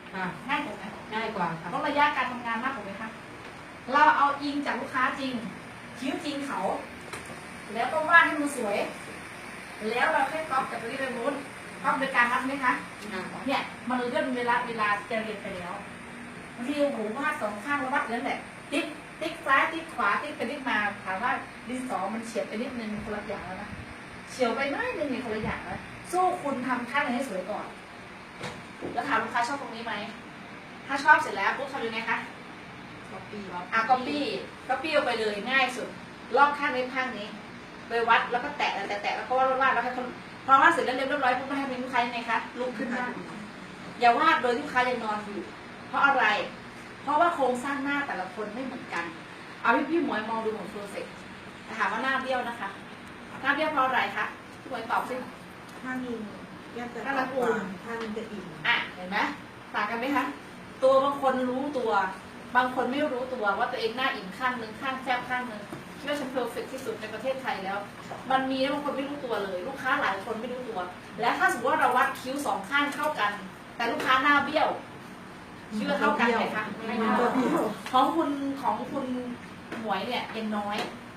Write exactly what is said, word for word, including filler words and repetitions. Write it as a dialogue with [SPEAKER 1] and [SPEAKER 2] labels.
[SPEAKER 1] ง่ายกว่าไหม
[SPEAKER 2] ง่ายกว่าค่ะ
[SPEAKER 1] ลดระยะการทำงานมากกว่าไหมคะเราเอาอิงจากลูกค้าจริงคิ้วจริงเขา แล้วก็วาดให้มันสวย แล้วเราแค่ก๊อปจากตรงนี้ไปนู้นก๊อปโดยการวัดไหมคะเนี่ยมันเลื่อนเวลาเวลาจะเรียนไปแล้วบางทีโอ้โหวาดสองข้างแล้ววัดนั่นแหละติ๊กติ๊กซ้ายติ๊กขวาติ๊กไปติ๊กมาถามว่าดินสอมันเฉียบไปนิดนึงคนละอย่างแล้วนะเฉียวไปน้อยนึงเนี่ยคนละอย่างแล้วสู้คุณทำข้างไหนให้สวยก่อนแล้วถามลูกค้าชอบตรงนี้ไหมถ้าชอบเสร็จแล้วปุ๊บทำยังไงคะ
[SPEAKER 2] ก๊อปปี้ครับ
[SPEAKER 1] อ่ะก๊อปปี้ก๊อปปี้เอาไปเลยง่ายสุดลอกข้างนี้ข้างนี้ไปวัดแล้วก็แตะแตะแตะแล้วก็วาดวาดแล้วให้คนพอวาดเสร็จแล้วเรียบร้อยปุ๊บให้เป็นลูกค้ายังไงคะลุกขึ้นมาอย่าวาดโดยลูกค้ายังนอนอยู่เพราะอะไร เพราะว่าโครงสร้างหน้าแต่ละคนไม่เหมือนกันเอาพี่พี่หมวยมองดูของโปรเซสถามว่าหน้าเบี้ยวนะคะหน้าเบี้ยวเพราะอะไรคะพี่หมวยตอบสิ
[SPEAKER 3] ท่านิงย่ำจะ
[SPEAKER 1] ท่า
[SPEAKER 3] ต
[SPEAKER 1] ละ
[SPEAKER 3] ก
[SPEAKER 1] ปู
[SPEAKER 3] กว่าท่านิงจะอิ่ม
[SPEAKER 1] อ่ะเห็นไหมต่างกันไหมคะตัวบางคนรู้ตัว บางคนไม่รู้ตัวว่าตัวเองหน้าอิ่มข้างหนึ่งข้างแคบข้างหนึ่งคิดว่าฉันเพอร์เฟกที่สุดในประเทศไทยแล้ว มันมีบางคนไม่รู้ตัวเลย ลูกค้าหลายคนไม่รู้ตัว และถ้าสมมติว่าเราวัดคิ้วสองข้างเท่ากัน แต่ลูกค้าหน้าเบี้ยวคิ้วเท่ากันไหมคะไม่เท่าของคุณของคุณหมวยเนี่ยยังน้อย